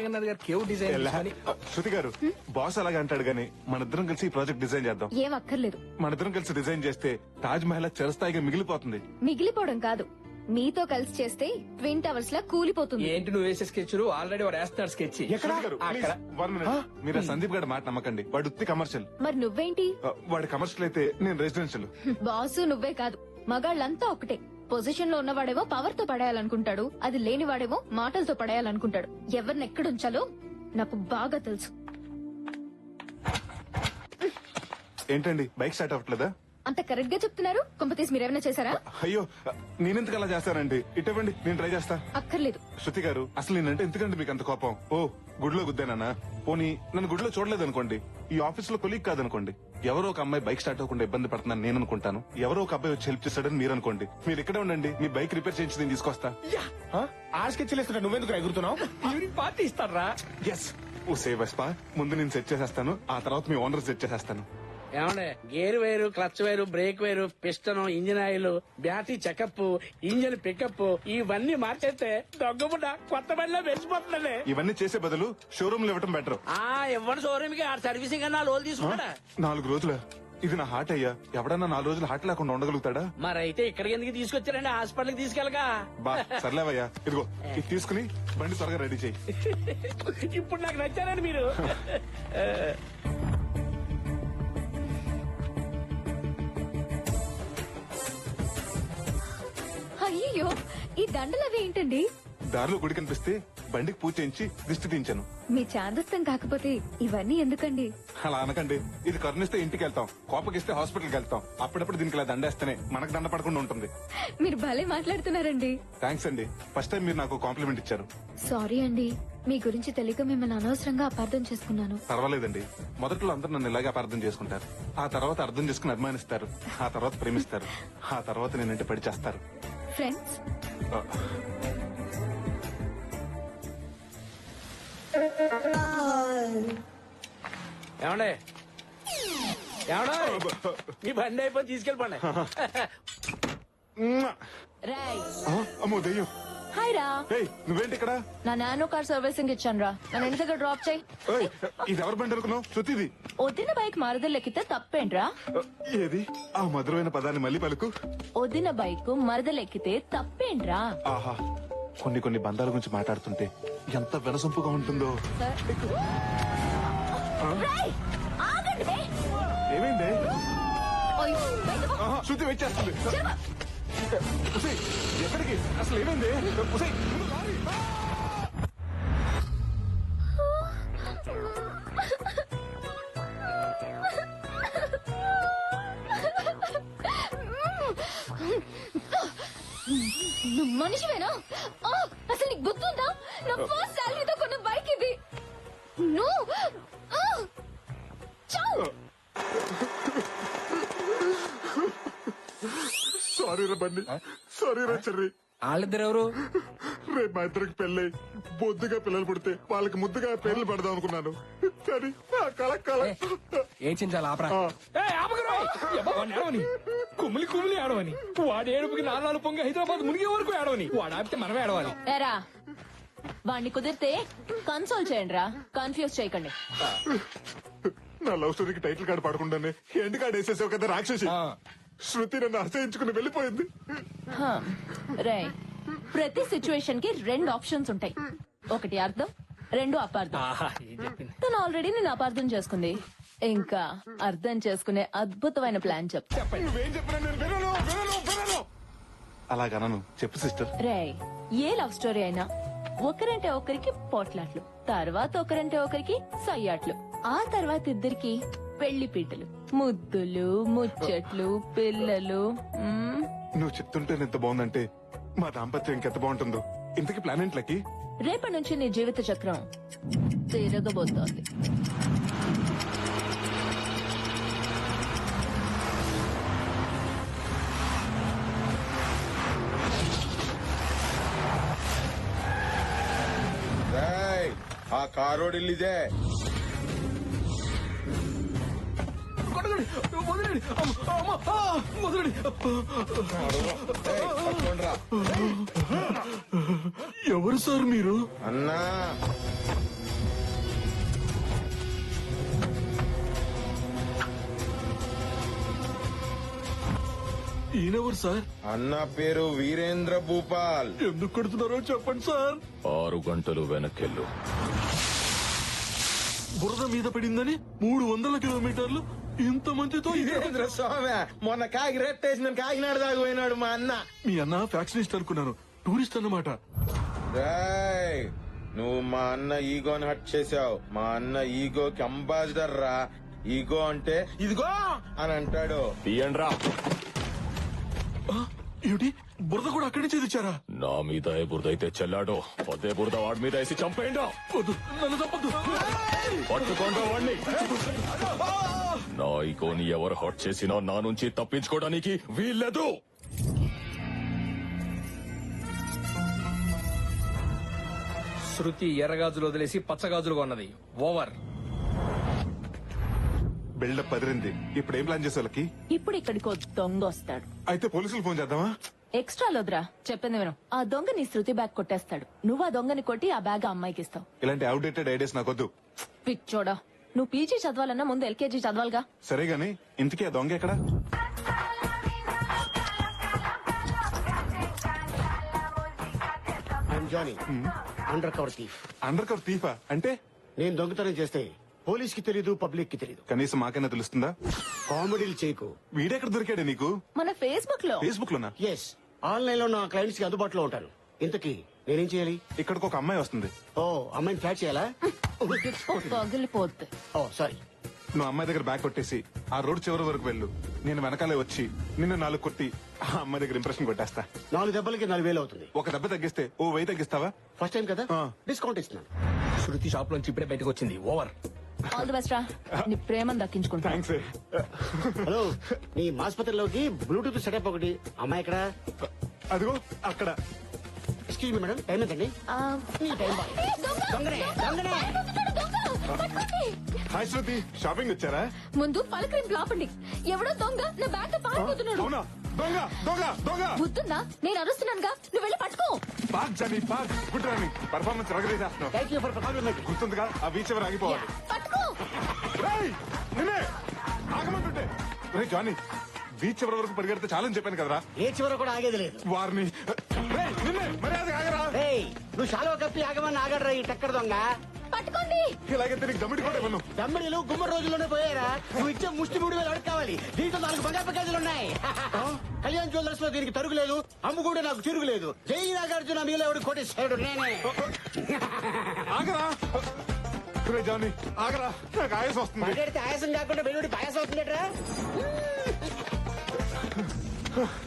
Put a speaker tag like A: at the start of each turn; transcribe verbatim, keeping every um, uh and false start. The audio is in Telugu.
A: రంగనాథ్ గారు కేవ్ డిజైన్
B: శృతి గారు బాస్ అలాగే అంటాడు గానీ మన ఇద్దరం కలిసి ఈ ప్రాజెక్ట్ డిజైన్ చేద్దాం.
C: ఏం అక్కర్లేదు.
B: మన ఇద్దరం కలిసి డిజైన్ చేస్తే తాజ్ మహల్ చిరస్థాయిగా మిగిలిపోతుంది.
C: మిగిలిపోవడం కాదు, మీతో కలిసి చేస్తే ట్విన్ టవర్స్ లా కూలిపోతుంది.
A: ఏంటి నువ్వు వేసే స్కెచ్ ఆల్రెడీ వాడు వేస్తున్నాడు స్కెచ్.
B: మీరు సందీప్ గారి మాట నమ్మకండి, వాడు ఉత్తి కమర్షియల్.
C: మరి నువ్వేంటి?
B: వాడి కమర్షియల్ అయితే నేను రెసిడెన్షియల్.
C: బాసు నువ్వే కాదు, మగాళ్ళంతా ఒకటే. పొజిషన్ లో ఉన్నవాడేమో పవర్ తో పడేయాలనుకుంటాడు, అది లేనివాడేమో మాటలతో పడేయాలనుకుంటాడు. ఎవరిని ఎక్కడుంచాలో నాకు బాగా తెలుసు.
B: ఏంటండి బైక్ స్టార్ట్ అవ్వట్లేదా?
C: అంత కరెక్ట్ గా చెప్తున్నారు. కొంపతీసి మీరేమైనా చేశారా?
B: అయ్యో నేనెందుకు అలా చేస్తానండి, ఇటువంటి నేను ట్రై చేస్తా.
C: అక్కర్లేదు.
B: శృతి గారు అసలు నేనంటే ఎందుకండి మీకు అంత కోపం? ఓ గుడిలో గుద్దానా? పోనీ నన్ను గుడిలో చూడలేదు అనుకోండి, ఈ ఆఫీస్ లో కొలీగ్ కాదనుకోండి, ఎవరో ఒక అమ్మాయి బైక్ స్టార్ట్ అవ్వకుండా ఇబ్బంది పడుతున్నాను నేను అనుకుంటాను, ఎవరో ఒక అబ్బాయి వచ్చి హెల్ప్ చేస్తాడని మీరు అనుకోండి. మీరు ఇక్కడే ఉండండి, మీ బైక్ రిపేర్ చేయించి నేను తీసుకొస్తా.
D: ఆ స్కెచ్ లేస్తున్నా నువ్వెందుకు ఎగురుతున్నావు?
A: పార్టీ ఇస్తారా?
B: ఎస్ ఓ సేవ్ వెస్పా, ముందు నేను సెట్ చేసేస్తాను, ఆ తర్వాత మీ ఓనర్ సెట్ చేసేస్తాను.
E: ఏమండే గేర్ వేరు, క్లచ్ వేరు, బ్రేక్ వేరు, piston, engine oil, battery checkup, engine pickup ఇవన్నీ మార్చేస్తే దొంగబుడ్డ కొత్త బండిలో వెలిసిపోతుందండి.
B: ఇవన్నీ చేసే బదులు షోరూమ్ లో ఇవ్వటం బెటర్.
E: ఆ ఇవ్వండి షోరూమ్ కి, ఆ సర్వీసింగ్ అన్నా లోన్ తీసుకుంటా.
B: నాలుగు రోజుల ఇది నా హార్ట్ అయ్యా, ఎవడన్నా నాలుగు రోజులు హార్ట్ లేకుండా ఉండగలుగుతాడా?
E: మరైతే ఇక్కడికి ఎందుకు తీసుకొచ్చారండి, హాస్పిటల్ కి తీసుకెళ్ళగా.
B: బా సర్లేవయ్యా, ఇదిగో ఇది తీసుకుని బండి త్వరగా రెడీ చేయి.
E: ఇప్పుడు నాకు నచ్చారండి మీరు.
C: అయ్యో ఈ దండలు అవి ఏంటండి?
B: దారిలో గుడి కనిపిస్తే బండికి పూజ చేయించి దిష్టి తీయించాను.
C: మీ చాదస్తం కాకపోతే ఇవన్నీ ఎందుకండి?
B: అలా అనకండి, ఇది కరుణిస్తే ఇంటికి వెళ్తాం, కోపగిస్తే హాస్పిటల్కి వెళ్తాం. అప్పుడప్పుడు దీనికి ఇలా దండేస్తేనే మనకు దండ పడకుండా ఉంటుంది.
C: మీరు భలే మాట్లాడుతున్నారండి.
B: థ్యాంక్స్ అండి, ఫస్ట్ టైం మీరు నాకు కాంప్లిమెంట్ ఇచ్చారు.
C: సారీ అండి, మీ గురించి తెలియక మిమ్మల్ని అనవసరంగా అపార్థం చేసుకున్నాను.
B: పర్వాలేదండి, మొదట్లో అందరూ నన్ను ఇలాగే అపార్థం చేసుకుంటారు, ఆ తర్వాత అర్థం చేసుకుని అభిమానిస్తారు, ఆ తర్వాత ప్రేమిస్తారు, ఆ తర్వాత నేనంటే పడి చేస్తారు.
C: ఫ్రెండ్స్
E: ఏమండే ఏమన్నా మీ బండి అయిపోయి తీసుకెళ్ళిపోండి.
B: అమ్మో దెయ్యం.
C: హాయ్ రా.
B: ఏయ్, నువ్వేంటి ఇక్కడ?
C: నా నానో కార్ సర్వీసింగ్ ఇచ్చాను రా, నన్ను ఇంటి దగ్గర డ్రాప్ చేయి.
B: ఏయ్, ఇది ఎవరి బండి అనుకున్నావు? శృతిది.
C: వదిన బైక్ మరదలెక్కితే తప్పేంట్రా?
B: ఏది ఆ మధురమైన పదాన్ని మళ్ళీ పలుకు.
C: వదిన బైక్ మరదలెక్కితే తప్పేంట్రా?
B: ఆహా, కొన్ని కొన్ని బంధాల గురించి మాట్లాడుతుంటే ఎంత వినసొంపుగా ఉంటుందో. ఏమైంది? ఆహా, శృతి వెయిట్ చేస్తుంది. ఉసేయ్, ఎక్కడికి? అసలు ఏమైంది? ఉసేయ్, ముందు లారీ.
C: నువ్వు మనిషివేనా? ఆ, అసలు నీకు గుర్తుందా? నా ఫస్ట్ సాలరీతో కొన్న బైక్ ఇది. నువ్వు ఆ, చావ్.
B: సారీ రా బండి, సారీ రా చెర్రి.
A: వాళ్ళిద్దరు ఎవరు?
B: రేపు మా ఇద్దరికి పెళ్ళై బొద్దుగా పిల్లలు పుడితే వాళ్ళకి ముద్దుగా పేర్లు పెడదాం అనుకున్నాను, కానీ ఆ కళ కళ.
A: ఏం చించాలి ఆపరా. ఏడవని కుమిలి కుమిలి ఏడవని, వాడు ఏడుపుకి నాలుగు పొంగి హైదరాబాద్ మునిగే వరకు ఏడవని, వాడు ఆపితే మనమే ఏడవాలి.
C: ఏరా వాడిని కుదిరితే కన్సోల్ చేయండి రా, కన్ఫ్యూజ్ చేయకండి.
B: నా లవ్ స్టోరీకి టైటిల్ కార్డు పడకుండానే ఎండ్ కార్డు వేసేసావు కదా రాక్షసి. శృతి నన్ను అసహించుకుని వెళ్ళిపోయింది.
C: రే, ప్రతి సిచ్యువేషన్ కి రెండు ఆప్షన్స్ ఉంటాయి, ఒకటి అర్థం, రెండు అపార్థం. తను ఆల్రెడీ నేను అపార్థం చేసుకుంది, ఇంకా అర్థం చేసుకునే అద్భుతమైన ప్లాన్ చెప్తా.
B: నువ్వేం చెప్పినా నేను వినను, వినను, వినను. అలాగనను, చెప్పు సిస్టర్.
C: రే, ఏ లవ్ స్టోరీ అయినా ఒకరంటే ఒకరికి పోట్లాట్లు, తర్వాత ఒకరంటే ఒకరికి సయ్యాట్లు, ఆ తర్వాత ఇద్దరికి పెళ్లి పీటలు, ముద్దులు, ముచ్చట్లు, పిల్లలు. మ్మ్.
B: నువ్వు చెప్తుంటే ఎంత బాగుందంటే మా దాంపత్యం ఇంకెంత బాగుంటుందో. ఇంతకీ ప్లాన్ ఏంట్లకి?
C: రేపటి నుంచి నీ జీవిత చక్రం తిరగబోతోంది.
D: ఆ కారోడు ఇల్లిదే.
B: ఎవరు సార్ మీరు?
D: అన్నా
F: ఈయనెవరు సార్?
D: అన్న పేరు వీరేంద్ర భూపాల్.
F: ఎందుకు కొడుతున్నారో చెప్పండి సార్.
G: ఆరు గంటలు వెనక్కెళ్ళు.
F: బురద మీద పడిందని మూడు వందల కిలోమీటర్లు ఇంత మందితో
D: వీరేంద్ర స్వామి మొన్న కాకి రెట్టేసిన కాకినాడ దాకా పోయినాడు మా అన్న.
F: మీ అన్న ఫ్యాక్షనిస్ట్ అనుకున్నాను, టూరిస్ట్ అన్నమాట.
D: రేయ్, నువ్వు మా అన్న ఈగోని హట్ చేసావు. మా అన్న ఈగోకి అంబాసిడర్ రా. ఈగో అంటే ఇదిగో అని అంటాడు.
G: తీయండ్రా.
F: ఆ, ఏమిటి బురద కూడా అక్కడి నుంచి తెచ్చారా?
G: నా మీద ఏ బురద అయితే చెల్లాడో అదే బురద వాడి మీద వేసి చంపేయండా.
F: వద్దు, నన్ను తప్పదు.
G: పట్టుకోండి వాడిని. నా ఈగోని ఎవరు హట్ చేసినా నా నుంచి తప్పించుకోవడానికి వీల్లేదు.
A: శృతి ఎర్రగాజులు వదిలేసి పచ్చగాజులు కొన్నది. ఓవర్.
B: బిల్డప్ పదిరింది. ఇప్పుడు ఏం ప్లాన్ చేసే వాళ్ళకి?
C: ఇప్పుడు ఇక్కడికి ఓ దొంగ వస్తాడు.
B: అయితే పోలీసులు ఫోన్ చేద్దామా?
C: ఎక్స్ట్రా లోద్రా, చెప్పింది విను. ఆ దొంగ నీ శృతి బ్యాగ్ కొట్టేస్తాడు. నువ్వు ఆ దొంగని కొట్టి ఆ బ్యాగ్ ఆ అమ్మాయికి ఇస్తావు.
B: ఇలాంటి అవుడేటెడ్ ఐడియాస్ నాకొద్దు.
C: పిచ్చోడా, నువ్వు పీజీ చదవాలన్నా ముందు ఎల్కేజీ చదవాలిగా.
B: సరే గాని ఇంతకీ ఆ దొంగ ఎక్కడ?
H: Johnny undercover thief.
B: Undercover తీఫా అంటే?
H: నేను దొంగతనం చేస్తే పోలీస్ కి తెలీదు, పబ్లిక్ కి తెలీదు.
B: కనీసం మాకైనా తెలుస్తుందా?
H: కామెడీలు చేయకు.
B: వీడెక్కడ దొరికాడే నీకు?
C: మన ఫేస్బుక్ లో.
B: ఫేస్బుక్ లోనా?
H: ఎస్, ఆన్లైన్ లో నా క్లయింట్స్ కి అందుబాటులో ఉంటాను. ఇంతకీ నేనేం చేయాలి?
B: ఇక్కడికి ఒక అమ్మాయి వస్తుంది.
H: ఓ, అమ్మాయిని ఫ్లాట్ చేయాలా?
C: పగిలిపోద్ది.
H: Oh sorry.
B: నువ్వు అమ్మాయి దగ్గర బ్యాగ్ కొట్టేసి ఆ రోడ్ చివరి వరకు వెళ్ళు. నేను వెనకాలే వచ్చి నిన్ను నాలుగు కొట్టి ఆ అమ్మాయి దగ్గర ఇంప్రెషన్ కొట్టేస్తా.
H: నాలుగు దెబ్బలకి నాలుగు వేలు అవుతుంది.
B: ఒక దెబ్బ తగ్గిస్తే ఓ వెయ్యి తగ్గిస్తావా?
H: ఫస్ట్ టైం కదా,
B: ఆ.
H: డిస్కౌంట్ ఇస్తున్నాను.
A: శృతి షాప్ లోంచి ఇప్పుడే బయటకు వచ్చింది. ఓవర్.
C: ఆల్ ది బెస్ట్ రా, నీ ప్రేమను దక్కించుకుంటా.
B: థ్యాంక్స్.
H: హలో, నీ ఆసుపత్రిలోకి బ్లూటూత్ సెటప్ ఒకటి. అమ్మాయి ఎక్కడ?
B: అదిగో అక్కడ.
H: ఎక్స్క్యూజ్ మీ మేడం, టైం ఎంతండి?
C: ఆ,
H: నీ టైం బాయ్. దొంగనే, దొంగనే.
B: హాయ్ శృతి, షాపింగ్ వచ్చారా?
C: ముందు పలకరింపు లాపండి. ఎవడో దొంగ నా బ్యాగ్ తో పారిపోతున్నాడు.
B: అవునా? దొంగ దొంగ దొంగ!
C: బుద్ధుందా? నేను అరుస్తున్నానుగా, నువ్వు వెళ్ళి పట్టుకో.
B: Park Johnny park. Good running. Performance రగరేసేస్తున్నావు.
H: Thank you for compliment.
B: గుర్తుందిగా ఆ బీచ్ ఎవరు ఆగిపోవాలి.
C: పట్టుకో.
B: రేయ్, నిన్నే ఆగమంటుంటే. రే జానీ, బీచ్ ఎవరి వరకు పరిగెడితే చాలని చెప్పాను కదరా.
H: ఏ చివర కూడా ఆగేది లేదు.
B: వారిని రేయ్, నిన్నే మర్యాద ఆగరా.
H: ఏయ్, నువ్వు శాలువ కప్పి ఆగమని ఆగడరా ఈ టక్కర్ దొంగ.
C: పట్టుకోండి.
B: ఇలాగైతే నీకు దమ్మిడి కూడా ఇవ్వను.
H: దమ్మిడిలు గుమ్మడి రోజుల్లోనే పోయారా? నువ్వు ఇచ్చే ముష్టి మూడు వేలు అడుగు కావాలి. దీంట్లో నాలుగు బంగారు ప్యాకేజీలు ఉన్నాయి. కళ్యాణ్ జ్యువెలర్స్ లో దీనికి తరుగులేదు, అమ్ము కూడా నాకు తిరుగులేదు. జై నాగార్జున మీలో ఎవడు కోటేశ్వరుడు నేనే.
B: ఆగరా. రే జానీ ఆగరా, నాకు ఆయాసం వస్తుంది.
H: మాట్లాడితే ఆయాసం కాకుండా వెలువడి పాయాసం అవుతుందట్రా.